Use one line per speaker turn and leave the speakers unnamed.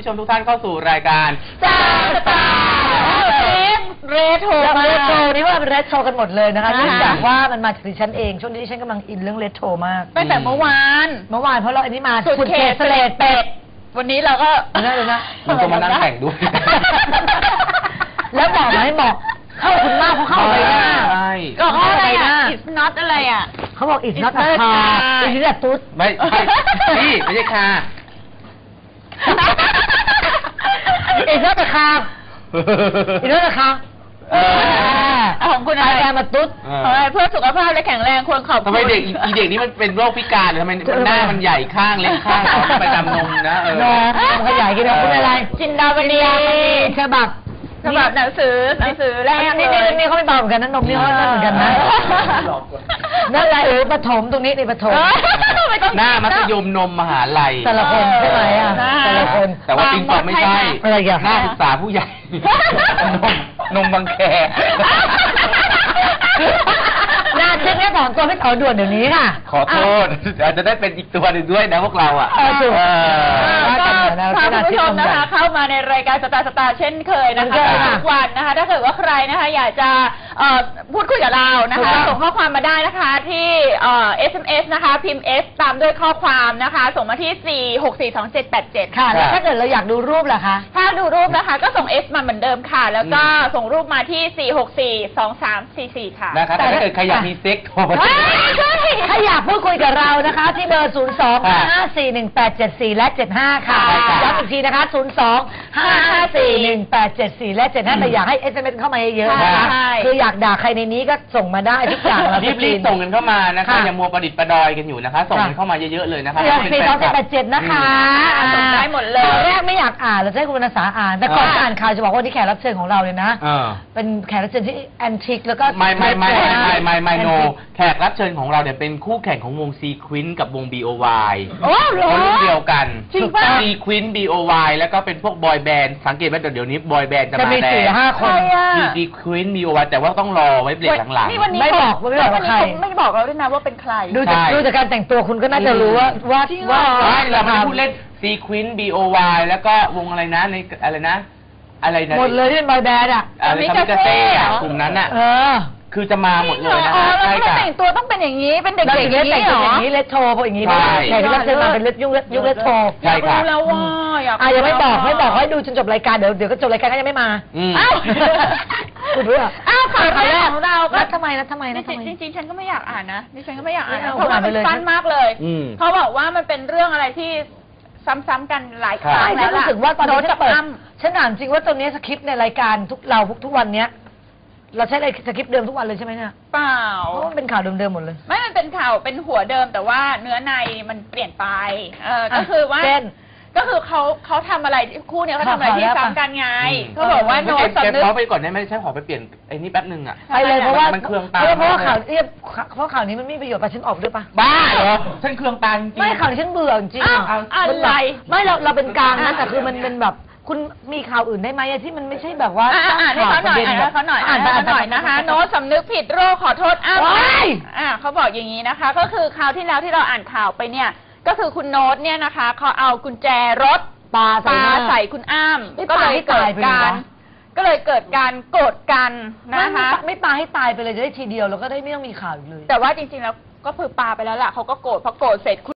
มทุกท่านเข้าสู่รายการ
สตาร์เรโทรเรโทรนี่ว่าเป็นเรโทรกันหมดเลยนะคะเนื่องจากว่ามันมาจากดิฉันเองช่วงนี้ดิฉันกำลังอินเรื่องเรโทรมาก
ตั้งแต่เมื่อวาน
เพราะเราอันนี้มา
สุดเขตเสลดเป็ดวันนี้เราก็
มันก็มานั่งแต่งด้วย
แล้วบอกไหมบอกเข้าคุณมากเพราะเข้าไปหน้า
ก็เข้าอะไรอ่ะ it's not อะไรอ่ะ
เขาบอก it's not a car it's a ตุ๊ด
ไม่นี่ไม่ใช่คา
it's not a car it's not a car
ของคุณอะไร
มาตุ๊ด
เพื่อสุขภาพและแข็งแรงควรขอบคุณ
ทำไมเด็กอีเด็กนี้มันเป็นโรคพิการหรือทำไมหน้ามันใหญ่ข้างเล็กข้างไปจำนมนะ
นมขยายกินนมคุณอะไร
จินดาวณี
ฉบับ
หนังสือแรก
นี่เขาไม่เบาเหมือนกันนะนมนี่เขาไม่เหมือนกันนะนั่นแหละปฐมตรงนี้ในปฐม
หน้ามัธยมนมมหาลัย
แต่ละคนใช่ไหมอ่ะแต่ละคน
แต่ว่าจริงๆไม่ใช่หน้าศึกษาผู้ใหญ่นมบางแค
หน้าชิ้นนี้ถอนตัวไม่ถอนด่วนเดี๋ยวนี้ค่ะ
ขอโทษอาจจะได้เป็นอีกตัวหนึ่งด้วยนะพวกเราอ่ะ
ถูก
พาคุณผู้ชมนะคะเข้ามาในรายการสตาร์เช่นเคยนะคะทุกวันนะคะถ้าเกิดว่าใครนะคะอยากจะพูดคุยกับเรานะคะส่งข้อความมาได้นะคะที่SMS นะคะพิมพ์ S ตามด้วยข้อความนะคะส่งมาที่4642787
ค่ะแล้วถ้าเกิดเราอยากดูรูปล่ะคะ
ถ้าดูรูปนะคะก็ส่ง S มาเหมือนเดิมค่ะแล้วก็ส่งรูปมาที่4642344ค่ะ
นะคะแต่ถ้าเกิดใครอยากมีเซ็กโทรมา
ถ้าอยากพูดคุยกับเรานะคะที่เบอร์02-554-1874และ75ค่ะย้ำอีกทีนะคะ02-554-1874และ75แต่อยากให้ SMS เข้ามาเยอะๆนะคะคืออยากด่าใครในนี้ก็ส่งมาได้ทุกอย่าง
รีบส่งกันเข้ามานะคะอย่ามัวประดิษฐ์ประดอยกันอยู่นะคะส่งกันเข้ามาเยอะๆเลยนะคะ
424-1877นะคะ
ส่งได้หมดเลย
แรกไม่อยากอ่านเราจะให้คุณวรรณสาอ่านแต่ก่อนจะอ่านข่าวจะบอกว่าที่แขกรับเชิญของเราเลยนะเป็นแขกรับเชิญที่แอนทิกแล้วก็
ไม่โนแขกรับเชิญของเราเนี่ยเป็นคู่แข่งของวงซีควินกับวง BOY คนรุ่นเดียวกันซีควิน BOY แล้วก็เป็นพวกบอยแบนด์สังเกตว่าเดี๋ยวนี้บอยแบนด์จะมาแรง
4-5 คน
มีซีควิน BOY แต่ว่าต้องรอไว้เบรกหลัง
ๆไม่บอกว่าใครไม่บอกเราด้วยนะว่าเป็นใคร
ดูจากการแต่งตัวคุณก็น่าจะรู้ว่า
เราไม่พูดเล่นซีควิน BOY แล้วก็วงอะไรนะในอะไรนะ
หมดเลยที่เป็นบอยแบนด์อ่ะ
มิกาเซ่กลุ่มนั้นอ่ะคือจะมาหมดเลยนะ
ใช่ค่ะแต่งตัวต้องเป็นอย่างนี้เป็นเด็กๆอย่างนี้เหรอ
อย่างนี้เลทโทพวกอย่างนี้แขกรับเชิญมาเป็นยุคเลทโท
ใช่ค่ะ
แล้วว่า
ยังไม่บอกให้ดูจนจบรายการเดี๋ยวก็จบรายการก็ยังไม่มาคุณรู้อ่ะ
ข่าวแรกของเราก็
ทำไม
จริงๆฉันก็ไม่อยากอ่านนะดิฉันก็ไม่อยากอ่านเพราะว่ามันสั้นมากเลยเขาบอกว่ามันเป็นเรื่องอะไรที่ซ้ำๆกันหลายครั้งแล้ว
รู้สึกว่าตอนนี้ฉันอ่านจริงว่าตอนนี้สคริปต์ในรายการทุกวันเนี้ยเราใช้สคริปต์เดิมทุกวันเลยใช่ไหมเนี่ย
เปล่า
เพราะมันเป็นข่าวเดิมๆหมดเลย
ไม่มันเป็นข่าวเป็นหัวเดิมแต่ว่าเนื้อในมันเปลี่ยนไปก็คือว่าก็คือเขาทำอะไรคู่เนี่ยเขาทำอะไรที่ซ้ำกันไงเขาบอกว่าโน้ตสำนึก
เขาไปก่อนได้ไหมใช่ขอไปเปลี่ยนไอ้นี่แป๊บนึงอ่ะ
ไปเลยเพราะว่า
มันเครื่องตา
เพราะว่าข่าวนี้มันไม่มีประโยชน์ไปฉันออกด้วยปะ
บ้าเหรอฉันเครื่องตาจริง
ไม่ข่าวฉันเบื่อจริง
อะไร
ไม่เราเป็นกลางนะแต่คือมันเป็นแบบคุณมีข่าวอื่นได้ไหมที่มันไม่ใช่แบบว่า
อ่านให้เขาหน่อยนะคะโน้ตสำนึกผิดโรคขอโทษเขาบอกอย่างนี้นะคะก็คือคราวที่แล้วที่เราอ่านข่าวไปเนี่ยก็คือคุณโน้ตเนี่ยนะคะเขาเอากุญแจรถปาใส่คุณอ้ำก็เลยเกิดการโกรธกันนะคะ
ไม่ปาให้ตายไปเลยจะได้ทีเดียวแล้วก็ได้ไม่ต้องมีข่าวอีกเลย
แต่ว่าจริงๆแล้วก็คือปาไปแล้วล่ะเขาก็โกรธพอโกรธเสร็จ